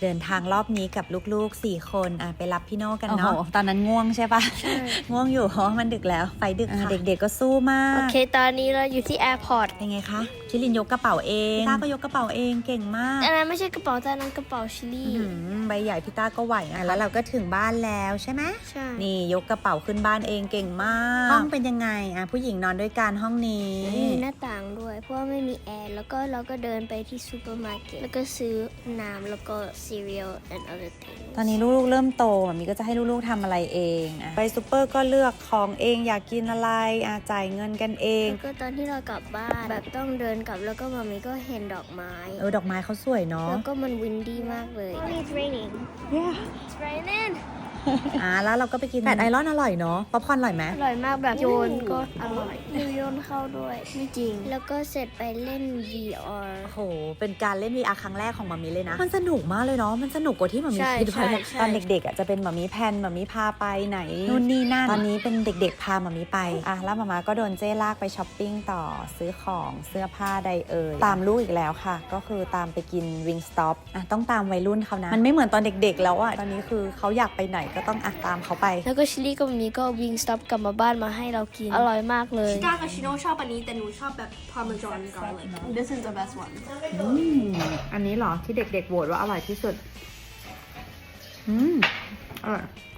เดินทางรอบนี้กับลูกๆ4คนไปรับพี่โน่กันเนาะตอนนั้นง่วงใช่ปะ ง่วงอยู่เพราะมันดึกแล้วไฟดึกค่ะเด็กๆก็สู้มากโอเคตอนนี้เราอยู่ที่แอร์พอร์ตเป็นไงคะชิลินยกกระเป๋าเองพี่ต้าก็ยกกระเป๋าเองเก่งมากอันนั้นไม่ใช่กระเป๋าแต่นั้นกระเป๋าชิลลี่ใบใหญ่พี่ต้าก็ไหวแล้วเราก็ถึงบ้านแล้วใช่ไหมใช่นี่ยกกระเป๋าขึ้นบ้านเองเก่งมากห้องเป็นยังไงผู้หญิงนอนด้วยกันห้องนี้มีหน้าต่างด้วยเพราะว่าไม่มีแอร์แล้วก็เราก็เดินไปที่ซูเปอร์มาร์เก็ตแล้วก็ซื้อน้ำแล้วก็ cereal and other things ตอนนี้ลูกๆเริ่มโตแบบนี้ก็จะให้ลูกๆทำอะไรเองไปซูเปอร์ก็เลือกของเองอยากกินอะไรจ่ายเงินกันเองแล้วก็ตอนที่เรากลับบ้านแบบต้องเดินกลับแล้วก็มามีก็เห็นดอกไม้ดอกไม้เขาสวยเนาะแล้วก็มันวินดี้มากเลย It's raining It's raining แล้วเราก็ไปกินแฟตไอรอนอร่อยเนาะป๊อปคอร์นอร่อยไหมอร่อยมากแบบโยนก็อร่อยโยนเข้าด้วยไม่จริงแล้วก็เสร็จไปเล่น VR โอ้โหเป็นการเล่น VR ครั้งแรกของมามีเลยนะมันสนุกมากเลยเนาะมันสนุกกว่าที่มามีใช่คิดไว้ใช่ใช่ตอนเด็กๆจะเป็นมามีแพนมามีพาไปไหนนู่นนี่นั่นตอนนี้เป็นเด็กๆพามามีไปแล้วมาก็โดนเจ้ลากไปช้อปปิ้งต่อซื้อของเสื้อผ้าใดตามลูกอีกแล้วค่ะก็คือตามไปกินวิงสต็อปต้องตามวัยรุ่นเขานะมันไม่เหมือนตอนเด็กๆแล้วตอนนี้คือเขาอยากไปไหนก็ต้องตามเขาไปแล้วก็ชิลลี่ก็มีก็วิงสต็อปกลับมาบ้านมาให้เรากินอร่อยมากเลยชิต้ากับชิโน่ชอบอันนี้แต่หนูชอบแบบ Parmesan garlic This is the best one อันนี้เหรอที่เด็กๆโหวตว่าอร่อยที่สุดอร่อย